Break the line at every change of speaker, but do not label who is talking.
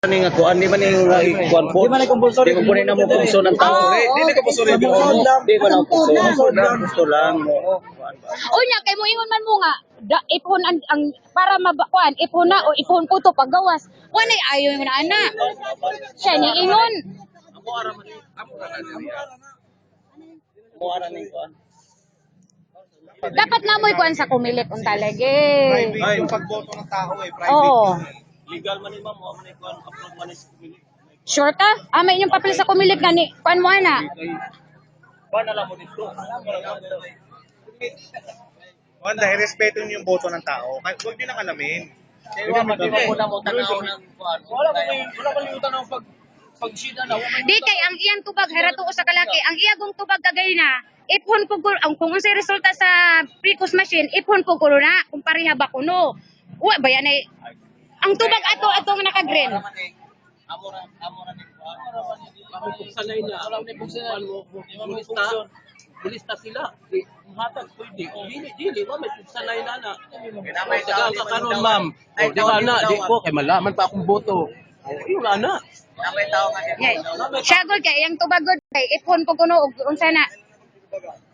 Ani nga kuan di man ning kuan po. Di man compulsory. Di man na mo puso ng tao. Di na compulsory. Di ba na puso lang.
Unya kay mo ingon man mo nga ipon ang para mabakuan ipon na o ipon ko to paggawas. Wala ayo man ana. Siya ni ingon.
Mo ara ning kuan.
Dapat na mo'y kuan sa kumilit unta lagi.
Private yung pagboto ng tao private.
Oo.
Legal man ni ma'am, mo man kuan upload man ni kumilit.
Sure ka? May inyong papel sa kumilit gani. Kuan mo ana.
Ba na lang mo dito.
Wanda, irespeto niyo yung boto ng tao. Huwag niyo nang alamin.
Kaya mo na mo tanaw ng kuan. Wala man yung tanaw pagsida na.
Di kay ang iyang tubag harato ko sa kalaki. Ang iyagong tubag kagay na ipon ko ang kung unsay resulta sa precos machine ipon ko na kung pareha ba kuno. Wa ba yan ay ang tubag ato nga naka-green.
Amo ra ni kuan. Kami pugsanay na. Wala ni pugsanay mo. Bilista sila. Matag pwede. Dili wa may pugsanay na na. Tagal ka karon ma'am. Di ba na di ko kay malaman pa akong boto. Yung ana. Namay tao nga.
Siya gud kay iyang tubag gud kay ipon ko kuno og unsa na.